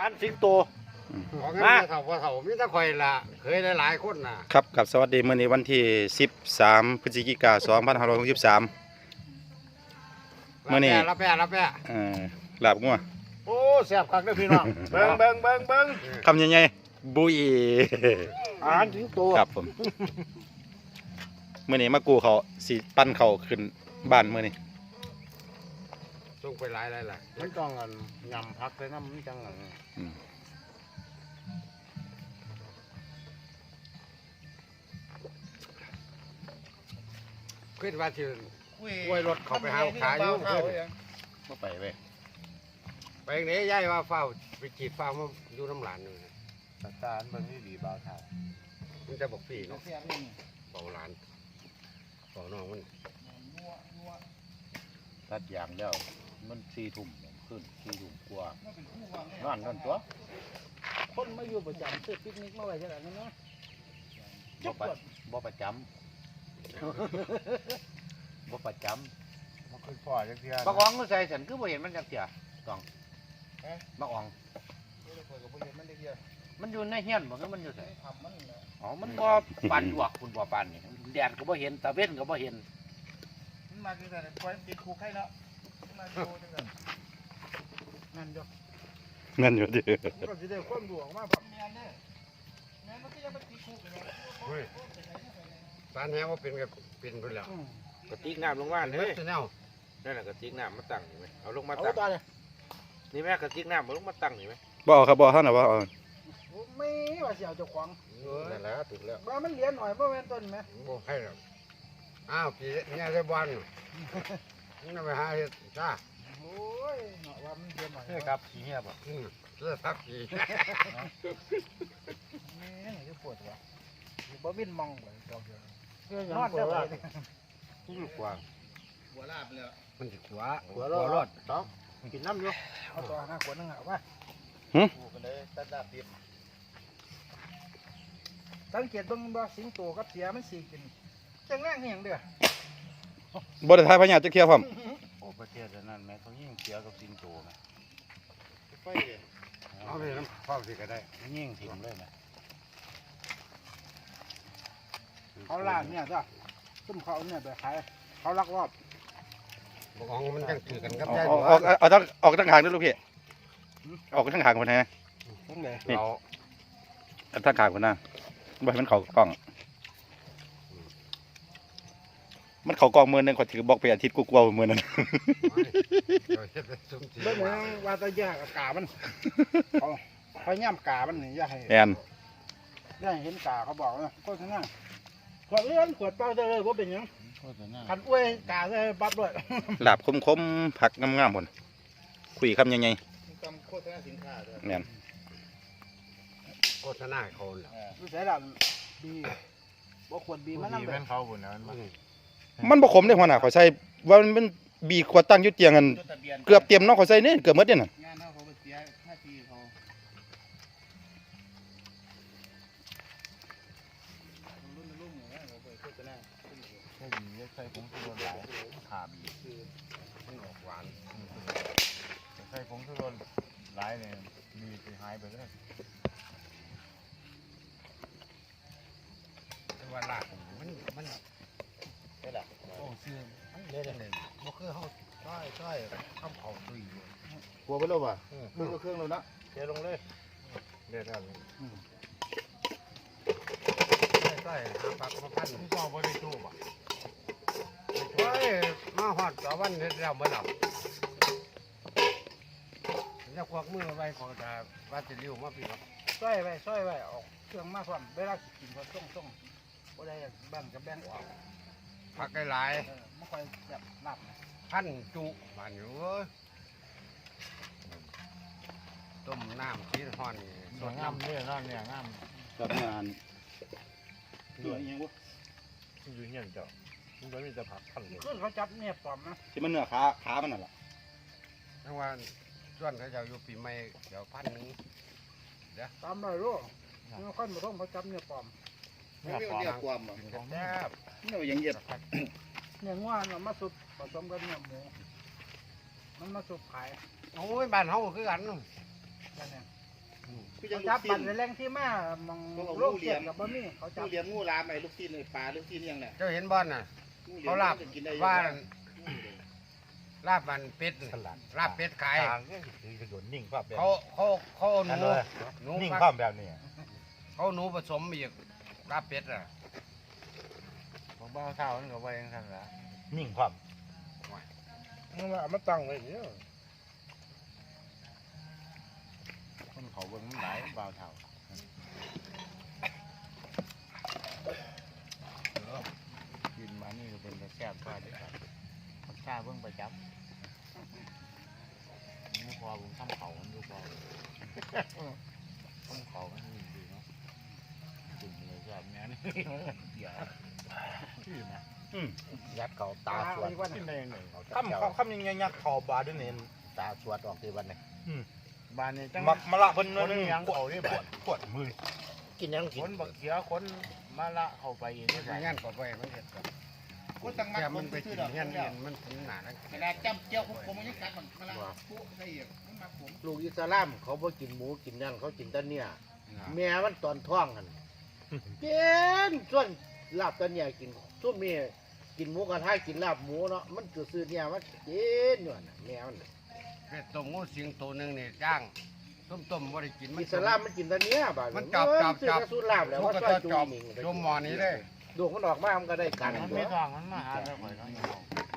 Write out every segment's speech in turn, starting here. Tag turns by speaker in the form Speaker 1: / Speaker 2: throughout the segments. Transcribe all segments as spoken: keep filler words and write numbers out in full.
Speaker 1: านสิงโตมาเถ่าพอเถ่ามีแต่ข่อยละเคยหลายๆคนน่ะ
Speaker 2: ครับกับสวัสดีมื้อนี้วันที่สิบสามพฤศจิกายนสองพันห้าร้อยหกสิบสามมื้อนี้
Speaker 1: รับแปะรับแปะ
Speaker 2: เอ่อลาบงัว
Speaker 1: โอ้แซ่บคักเด้อพี่น้องเบิ่งเบิ่งเบิ่งเบิ่ง
Speaker 2: คำใหญ่ๆบุย
Speaker 1: อาหารสิงโต
Speaker 2: ครับผมมื้อนี้มากูเขาสิปั้นเขาขึ้นบ้านมื้อนี้
Speaker 1: ส่งไปหลายหลายหลายมันต้องอันยำพักเลยนะมันจังอันขึ้นว่าที่กล้วยรถเขาไปหาขายอยู่เพื่อนมาไปเว้ยไปไหนย่ายว่าเฝ้าไปจีบเฝ้ามาอยู่น้ำหลานอยู่สัตว์ตาลมันนี่ดีบ้าเท่ามันจะบอกพี่เนาะเฝ้าหลานเฝ้าน้องมัน
Speaker 3: ตัดยางแล้วมันสี่ทุ่มขึ้นสี่ทุ่มกว่านอนกันตัว
Speaker 4: คนมาอยู่ประจำซื้อปิกนิกมาไว้เท่าไหร่นะ
Speaker 3: บ่ประบ่ประจำบ่ประจำ
Speaker 1: มันคือพ่อจังเทีย
Speaker 3: บักอองมันใส่ฉันคือบ่เห็นมันจักเที่ยต้องบักอองมันอยู่ในเฮียนบ่คือมันอยู่ไสอ๋อมันบ่ปั่นหวกคุณบ่ปั่นนี่แดดก็บ่เห็นตะเว้นก็บ่เห็น
Speaker 4: มันมาคือแต่ปล่อยติดคุกให้เนาะมาดูจังซั่นนั่นอยู่
Speaker 2: นั่นอยู่ดิ
Speaker 4: ก็สิได้ความหลวงมาพร้อมแม่นเด้อแม่นมันก็ยังบ่ติดคุกเลย
Speaker 1: เฮ้ยสารแหว่าเป็นกับเป็นเพิ่นแล้ว
Speaker 5: กระติกน้ำลงว่านเฮ้ย
Speaker 1: แนว
Speaker 5: นั่นแหละกระติกน้ำมาตั้งนี่ไหมเอาลงมาตั้งนี่แม่กระติกน้ำมาลงมาตั้งนี่ไหม
Speaker 2: บ่ครับบ่เท่าน่ะบ่
Speaker 4: ไม่ว่าสิเอาเจ้าของ
Speaker 1: นั่นแหละถูกแล้ว
Speaker 4: ว่ามันเหรียญหน่อยบ่แม่นต้นไหม
Speaker 1: บ่ให้หรอกอ้าวพี่เนี่ยได้บอลนี่ไปหาเฮ็ดจ้า
Speaker 4: โอ้ยเนาะว่ามันเหรียญหน่อย
Speaker 3: เฮ้ยครับขี้เหี้ยบ่
Speaker 1: อือเสื้อทักพี่
Speaker 4: นี่จะปวดว่ะบ่วินมองบ่ดอกเดียวนอนได้บ่
Speaker 1: ทุกกว่า
Speaker 3: หัวลาบเลย
Speaker 1: มันสิขวาขวารอดต้องกินน้ำอยู่
Speaker 4: เอาต่อหน้าขวดนึงอ่ะว่า
Speaker 2: หึ
Speaker 3: กูก็เลยตัดดาบดิบ
Speaker 4: สังเกตเบิ่งบ่สิงโตกับเสียมันสิกินจังแรงเฮียงเด้อ
Speaker 2: บ่ได้ทายพญาจักเที่ยพร้อม
Speaker 3: โอ้ประเทศนั้นแม่เขายิ่งเสียกับสิงโตแม่
Speaker 1: ไฟเอาไปน้ำเฝ้าสิก็ได้
Speaker 3: ยิ่งถิ่มเลยแม่
Speaker 4: เขาล่างเนี่ยจ้ะซุ่มเขาเนี่ยไปขายเขาลักลอบ
Speaker 1: บอกองมันจังถือกันครับ
Speaker 2: ยายออกเอาทั้งออกทั้งหางด้วยลูกพี่ออกทั้งหางคนไหน
Speaker 1: ทั้งไหนเรา
Speaker 2: ทั้งหางคนน่ะบ่ให้มันเข้ากล้องมันเข้ากล้องมือนึงขอถือบอกไปอาทิตย์กูกลัวมือนั้น
Speaker 4: เบิ่งว่าตะยากกามันเขาเขาย่ำกามันนี่อย่าให้
Speaker 2: แอน
Speaker 4: อย่าให้เห็นกาเขาบอกนะก็ชนะขวดเลื่อนขวดเปล่าได้เลยว่าเป็นยังขันอ้วยกาเลยปั๊บด้วย
Speaker 2: หลาบคมๆผักงามๆหมดคุยคำยังไง
Speaker 4: โฆษณาสินค้าด้วย
Speaker 2: แอน
Speaker 1: โฆษณาเขาแหละ
Speaker 4: ดูใส่หลังบีบ่ขวดบีมันนั่ง
Speaker 3: แบบเขาบุญนะ
Speaker 2: มันบ่ขมได้หัวหน้าเขาใส่ว่ามันเป็นบีขวดตั้งอยู่เตียงกันเกือบเต็มเนาะเขาใส่นี่เกือบหมดเนี่ยน่ะ
Speaker 4: งานเฮาเขาเสียห้าปีเขารุ่นรุ่นเนี่ยเขาไปโฆษณา
Speaker 3: ใช่บีใส่ผงชูรสหลายขาบี
Speaker 1: มันออกหวาน
Speaker 3: ใส่ผงชูรสหลายเนี่ยมีไปหายไปเลย
Speaker 1: ว่าลากมันมัน
Speaker 3: ได้ละ
Speaker 1: โอ้ซื้อมันเละจังเลยบ่คือเฮาต้อยต้อยข้าวเผาตุยอยู่
Speaker 3: กลัวไปแล้วป่ะเครื่องเครื่องเลยนะ
Speaker 1: เทลงเลยเด็ดแล้วต้อยหาปลากมาพัน
Speaker 3: นี่ก็บ่ได้ตู้ป่ะ
Speaker 1: โอ้ยมาฮอดต่อวันเฮ็ดแล้วบ่หลับจะควักมือไว้ของตาว่าจะลิ้วมาพี่ครับ
Speaker 4: ช่วยไว้ช่วยไว้ออกเครื่องมาพร้อมเวลากินก็ส่งส่งบ่ได้แบ่งกับแบ่งออก
Speaker 1: ผักหลาย
Speaker 4: ๆไม่ค่อยแบบนับ
Speaker 1: พันจุบ้านอยู่ต้มน้ำชีสห่อน
Speaker 3: สดงามเนี่ยงามเนี่ยงาม
Speaker 2: กับงาน
Speaker 3: ดูยังวะดูเงี้ยเจ้ามันก็มีแต่ผักพันเลย
Speaker 4: คือเขาจับเนี่ยปลอมนะ
Speaker 2: ที่มันเนื้อขาขามันน่ะล่ะ
Speaker 1: ทั้งวันส่วนเขาจะอยู่ปีใหม่เดี๋ยวพันหนึ่ง
Speaker 4: เดี๋ยวตามได้รู้เมื่อค่อยมาท่องเขาจับเนี่ยปลอม
Speaker 3: ไม่เรียกความอ่ะ
Speaker 1: แซ่บ
Speaker 2: เนี่ยยังเย็ด
Speaker 4: เนี่ยง่วนมาสุกผสมกันเนี่ยหมูมันมาสุกขาย
Speaker 1: โอ้ยบ้านเฮาคือกัน
Speaker 4: นั่นเองเขาจับปั่นในแรงที่มามองโลกเสียกับบะมี่เขาจับ
Speaker 6: เลี้ยงงูลามไอ้ลูกซีนไอ้ปลาลูกซีนยังเนี่ย
Speaker 1: เจ้าเห็นบอลน่ะเขาลาบว่าลาบมันเป็ดลาบเป็ดขาย
Speaker 2: ทางนี่คือโดนนิ่งภาพแบบ
Speaker 1: เขาเขาเขาเอาหนูหนู
Speaker 2: นิ่ง
Speaker 1: ฟัก
Speaker 2: ภาพแบบนี้
Speaker 1: เขาหนูผสมอีกลาบเป็ดอ่ะ
Speaker 3: ของบ้าเท่านั่นก็ไว้ยังทันละ
Speaker 2: นิ่งภาพ
Speaker 5: มึงเอามาตั้งไว้เดี๋ยว
Speaker 3: คนเขาเบิ่งมันหลายบ้าเท่ากินมานี่ก็เป็นกระแซบกว่าเด็กครับมันชาเบิ่งประจับไม่พอผมทำเขามันดูพอทำเขามันดีเนาะกินเลยแซ่บแม่นี่เดี๋ยวชื่อนะ
Speaker 1: ยัดเขาตาสวด
Speaker 3: กินได้ยังไง
Speaker 2: คำคำยังไงยักษ์เข่าบาด้วยเนี่ย
Speaker 1: ตาสวดออกที่วันนี้
Speaker 3: บ้านนี้จัง
Speaker 2: มักมะละเพิ่น
Speaker 3: คน
Speaker 2: นึง
Speaker 3: ยังเขาได้บ้าน
Speaker 2: ขวดมือ
Speaker 1: กินยังกิ
Speaker 3: คน นบักเขียคนมาละเข้าไปเองนี่
Speaker 1: ไม่งั้นก็ไปไม่เห็นกัน
Speaker 6: คนตั้งมั
Speaker 1: แก
Speaker 6: ดค
Speaker 1: มัน
Speaker 6: น
Speaker 1: ไป
Speaker 6: ซื้
Speaker 1: กิ
Speaker 6: อน ดอก
Speaker 1: เงี้ย
Speaker 6: เงี้
Speaker 1: เงี้
Speaker 6: ย
Speaker 1: ยมันถึงหนาแล้ว
Speaker 6: เวลาจำเจียวผมมันยังกัดมันมาละปุ๊ได้อีกมันมาผม
Speaker 7: ลูกอิสลามเขาบ่กินหมูกินนั่นเขากินแต่เนี่ยแม่มันตอนท้องกันกินส่วนลาบแต่เนี่ยกินซุ่มนี่กินหมูกระทะกินลาบหมูเนาะมันก็ซื้อเนี่ยมันกินอยู่น่ะแม่มัน
Speaker 1: เป็ดต้มงูสิงตัวหนึ่งนี่ย่างต้มต้มบ่ได้กินมัน
Speaker 7: อิสลามมันกินแต่เนี่ยบาด
Speaker 1: มันจับจับจับ
Speaker 7: ซื้อสูตรลาบแล้ว
Speaker 1: มัน
Speaker 7: ว่า
Speaker 1: ก็
Speaker 7: ซอย
Speaker 1: จะ
Speaker 7: จู
Speaker 1: จับ
Speaker 7: นี่
Speaker 1: ยมหมอนี้เลย
Speaker 7: ดูมันออกมามันก็ได้กัน
Speaker 3: มัน
Speaker 7: ตั
Speaker 3: ไม่
Speaker 7: ว
Speaker 3: ทองมันมาหาแล้วข่อยก็เอา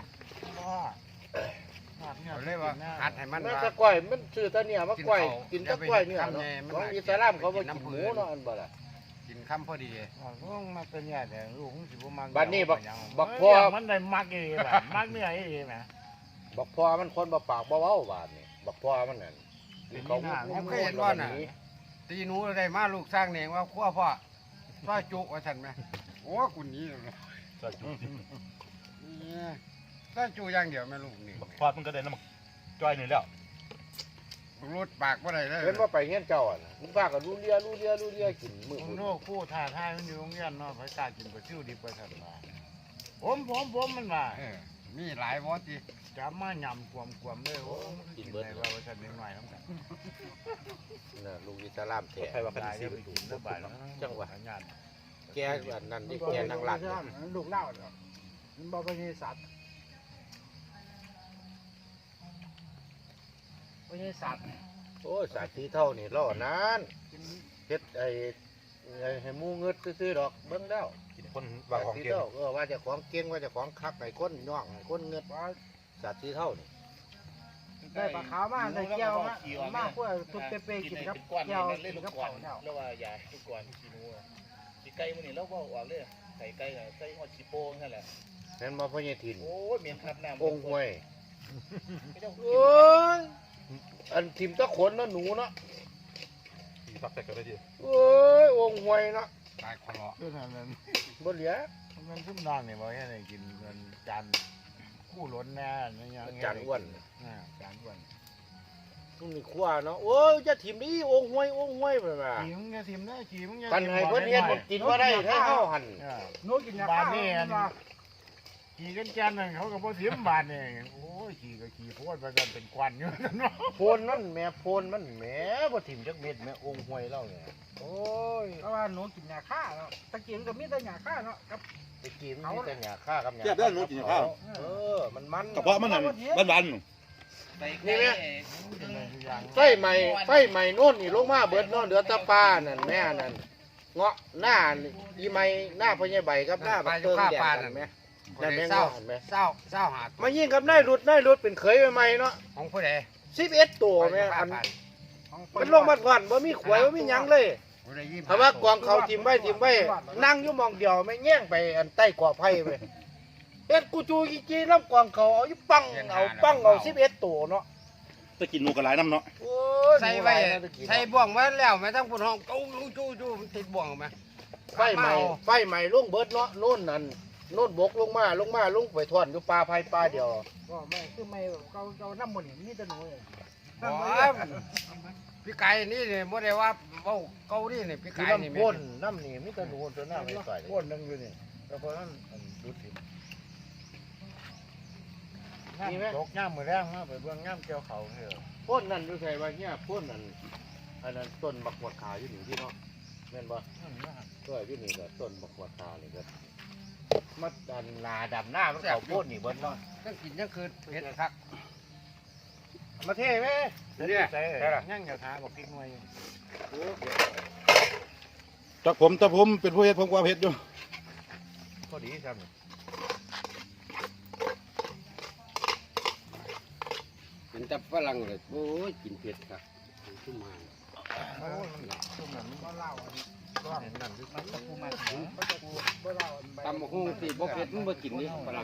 Speaker 1: เขาเรียกว่าหัดให้มัน
Speaker 7: มัน
Speaker 1: ว่า
Speaker 7: ตะก้อยมันซื้อแต่เนี่ยมาก้อยกินแตะก้อยเนี่ยเนาะ
Speaker 1: มัน
Speaker 7: ของ
Speaker 1: น่า
Speaker 7: อิสลามเขาบ่
Speaker 1: กิน
Speaker 7: กิน
Speaker 1: น้ำ
Speaker 7: ห
Speaker 1: ผึ้
Speaker 7: มู
Speaker 1: ง
Speaker 7: เนาะอันบ่ล่ะ
Speaker 1: กินคำพอดี
Speaker 3: ลูกมาเป็นเนี่ยแต่ลูกผมสิบ่มัก
Speaker 7: บัดนี้บักบักพ่อ
Speaker 3: มันได้มักอีแบบมักเนื้ออีแหม
Speaker 7: บักพ่อมันคนบ่ปากบ่เว้าบาดนี่บักพ่อมันนั่นเขา
Speaker 1: ผมเคยเห็นว่าน่ะตีหนูได้มาลูกสร้างเองว่าขั้วพ่อซอยจุกว่าฉันไหมโอ้กุนี้เลยซอยจุอย่างเดียวแม่ลูกนี่
Speaker 2: พอดมันก็ได้น้ำจ้อยนี่แล้ว
Speaker 1: รถปากว่าไรเลย
Speaker 7: เห็นว่าไปเฮียนเจ้าอ่ะนะมึงพากันรู้เลียรู้เลียรู้เลียกินมือ
Speaker 3: ผม
Speaker 7: พุ่น
Speaker 3: โน้คู่ท่าทายมันอยู่โรงเรียนเนาะไปตากินไปซิ่วดิบไปสั่นมาผมผมผมมันมา
Speaker 1: เออมีหลายวอตี
Speaker 3: จับมาหย่ำกวมกวมเลยโอ้กินได้ว่าสั่นนิดหน่อยน้ำกัน
Speaker 7: น่ะลูกอิสลามแท้
Speaker 2: ใครว่ากัน
Speaker 3: ได้
Speaker 2: สิ
Speaker 3: ไปกินได้บ่ายแล้วงาน
Speaker 7: แกอันนั้นนี่แกนางหลัก
Speaker 4: ลูกเล่าเนาะมันบอกว่ามีสัตว์ไม่ใช่สัตว์
Speaker 7: โอ้ยสาธิเท่านี่ล่อนานเฮ็ดไอ้ไอ้ให้หมูเงืดซื่อๆดอกเบิ่งแล้ว
Speaker 2: กินคนวางของ
Speaker 7: สาธิ
Speaker 2: เก่ง
Speaker 7: เท่าเออว่าเจะของเก่งว่าเจะของคักไอ้คนย่องไอ้คนเงืดว่าสาธิเท่านี่
Speaker 4: ได้ปลาขาวมาได้แก้วมามาพวกทุบเปย์กินครับแก้วกินกับเผาเนี่ย
Speaker 6: แล้วว่ายาทุกก่อนขี้หนูขี้ไก่มันนี่เราบอกว่าเลยไก่ไก่ไก่หอดขี้โป่งนั่นแหละ
Speaker 7: เห็นบ่พ่อใหญ่ถิ่น
Speaker 6: โอ้ยเมียนทับน้ำ
Speaker 7: องค์ห้วย
Speaker 6: ไม่ต้อง
Speaker 7: โอ้ยอันทิมตะขนเนาะหนูเนาะ
Speaker 2: สีฟักแต่ก็ได้ดี
Speaker 7: โอ้ยองค์ห้วยเนาะ
Speaker 1: ตายคอ
Speaker 3: คือนั่นนั้น
Speaker 7: บ่เหลือ
Speaker 3: มันซุ่มนอนเนี่ยบอกให้ได้กินเงินจานคู่ล้นแน่นี่ยัง
Speaker 7: อาจารย์อ้วน
Speaker 3: อ่าจานอ้วน
Speaker 7: มันมีขั้วเนาะโอ้ยจะถิ่มนี่องค์ห้วยองค์ห้วยไปมา
Speaker 3: ขี่มึงจะทิมได้ขี่มึงจะ
Speaker 7: กันให้เพิ่นเฮ็ดบ่กินบ่ได้ถ้าเฮาหั่น
Speaker 4: โน้กินยาฆ่ามันว่า
Speaker 3: ขี่กันจานนั่นเขาก็บ่ทิมบาทเนี่ยโอ้ยขี่ก็ขี่โพดไปกันเป็นควันอยู่นั่นเนาะ
Speaker 7: โพนนั่นแหม่โพนมันแหม่บ่ถิ่มจักเม็ดแหม่องค์ห้วยเล่าเนี่ยโอ้ย
Speaker 4: เพราะว่าหนูกินยาฆ่าเนาะตะกี้มันก็มีแต่ยาฆ่าเนาะกับ
Speaker 7: ตะกี้มันมีแต่หญ้าค่ากับหญ้า
Speaker 2: เทียบได้หนูกินข้าว
Speaker 7: เออมันมัน
Speaker 2: กระเพาะมันนั่นบ้าน
Speaker 7: นี่แม่
Speaker 3: กินได้ทุกอย่าง
Speaker 7: ไฟใหม่ไฟใหม่โน่นนี่ลงมาเบิดเนาะเหลือแตะปลานั่นแม่นั่นเงาะหน้าอีไม้หน้าพ่อใหญ่ใบกับหน้าบักเติงแดงนั่นแม่นั่นแม่
Speaker 1: เศร้า
Speaker 7: เงาะเห็นไหม
Speaker 1: เศร้าเศร้าหา
Speaker 7: มายิงกับนายรุดนายรุดเป็นเขยใหม่ๆเนาะ
Speaker 1: ของผู้ใด
Speaker 7: สิบเอ็ดตัวแม่อันมันลงมาก่อนบ่มีขวยบ่มีหยังเลยเพราะว่ากองเขาทิมไว้ทิมไว้นั่งอยู่หมองเดียวไม่แย่งไปอันใต้กอไผ่ไปเอ็ดกูจูอีจีน้ำกองเขาเอาอยู่ปังเอาปังเอาสิบเอ็ดตัวเนาะ
Speaker 2: จะกินหมูกระไรน้ำเนาะ
Speaker 7: โอ้ย
Speaker 1: ใส่ไว้ใส่บ่วงไว้แล้วแม่ทั้งปุ่นห้องจู้จู้จู้มันติดบ่วงไหม
Speaker 7: ไฟใหม่ไฟใหม่ลงเบิดเนาะโน่นนั่นโน่นบกลงมาลงมาลงไปทอนอยู่ปลาไผ่ปลาเดียว
Speaker 4: ก็ไม่คือไม่เกาเกาน้ำมันนี่แต่หนูเลย
Speaker 1: บ่พี่ไก่นี่เนี่ยบ่ได้ว่าเว้าเกาหลีนี่พี่
Speaker 7: คือ
Speaker 1: ไก่นี่
Speaker 7: น้ำ
Speaker 1: แม่
Speaker 7: พ่นน้ำนี่มีแต่หนูตัวหน้าไม่ต่อยพ่นนั่งอยู่นี่แล้วพอนั้นดูสิ
Speaker 3: นี่แม่ตกย่ามมือแรงมาไปเบื้องย่ามเกี่ยวเขาเถอะ
Speaker 7: พ่นนั่นดูใส่ว่าเนี่ยพ่นนั่นอันนั้นต้นบักหวดขาอยู่นี่ที่เนาะแม่นบ่ก็อยู่นี่ก็ต้นบักหวดขานี่ก็มาดันนาดำหน้ามันเขาโพดนี่เบิ้ลเนาะ
Speaker 1: ยังกินยังคืนเฮ็ดคัก
Speaker 7: มาเท่ไหม
Speaker 1: เนี่ย
Speaker 7: ใช่
Speaker 1: ใช่ล่ะ
Speaker 7: ยังอย่าหาบอกพริกหน่อย
Speaker 2: จากผมแต่ผมเป็นผู้เฮ็ดผมก็เอาเฮ็ดอยู่
Speaker 7: พอดีครับ
Speaker 1: มันจะฝรั่งเลยโอ้ยกินเผ็ดครับชุ่มหาง
Speaker 7: ช่วงนั้นมัน
Speaker 4: บ่เล่าอันนี้
Speaker 7: ร้อนนั่นคือ
Speaker 4: มันตะปูมาถึงมันตะปูบ่เล่าอันใบ
Speaker 1: ตำบักหุ่งสิบ่เผ็ดมันบ่กินนี่ฝรั่ง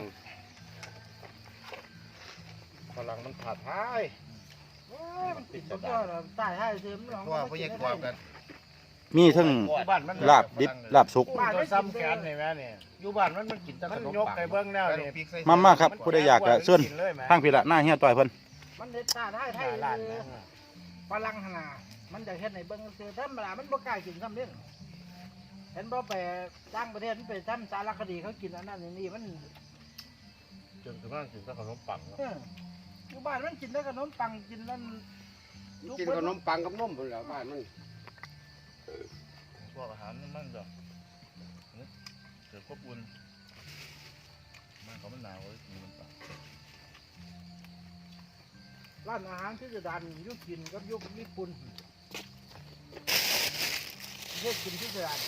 Speaker 7: พลังมันขาดท้าย
Speaker 4: โอ้ยมันติดตัวเราตายให้ซื้อมันลอง
Speaker 7: ตัวพยากรกัน
Speaker 2: มีทั้ง
Speaker 7: บ้านมัน
Speaker 2: ลาบดิบลาบสุก
Speaker 7: บ้านมันซ้ำแขนนี่แม่นี่อยู่บ้านมันมันกินแต่ขนมปังยกไปเบิ่งแล้วนี่
Speaker 2: มามาครับผู้ใดอยากก็เชิญทางพี่ละหน้าเฮียต่อยเพิ่น
Speaker 4: มันเฮ็ดตาได้
Speaker 7: ไท
Speaker 4: ไท
Speaker 7: ย
Speaker 4: ย
Speaker 7: ร้าน
Speaker 4: เล
Speaker 7: นะ
Speaker 4: ยฝรั่งหนนามันจะเฮ็ดในเบิ่งซื่อธรรมดามันบ่กล้ากินซ้ำเด้อเห็นบ่ไปต่างประเทศมันไปทำสารคดีเขากินอันนั้นอันนี้มัน
Speaker 7: จนถึงนั่นกินแต่ขนมปัง
Speaker 4: เอออยู่บ้านมันกินแต่ขนมปังกินนั่น
Speaker 1: กินขนมปังกับนมพุ่นแหล้วบ้านมัน
Speaker 6: พวกอาหารมันจะเกิดควบอุ่นมันเขามันหนาวเลยกินมันต่าง
Speaker 4: ร้านอาหารที่จะดันอยุกินกับอยุคญี่ปุ่นเฮ็ดกินที่จะดัน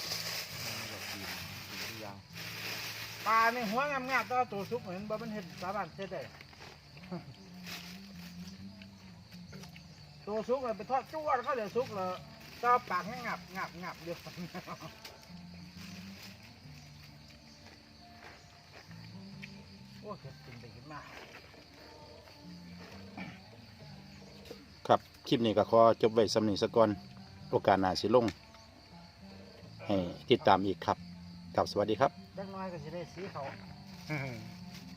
Speaker 4: ปลาในหัวงามๆก็ตัวซุกเหมือนบ่มันเห็ดสามารถเฮ็ดได้ ตัวซุกเลยไปทอดจ้วนเขาเดี๋ยวซุกเลยก็ปากให้งับงับงับเดียวโอ้เฮ็ดกินไปกินมา
Speaker 2: ครับคลิปนี้ก็ขอจบไว้สำนี้ซะก่อนโอกาสหน้าสิลงให้ติดตามอีกครับครับสวัสดีครับ
Speaker 4: เล็กน้อยก็จะได้สีเขา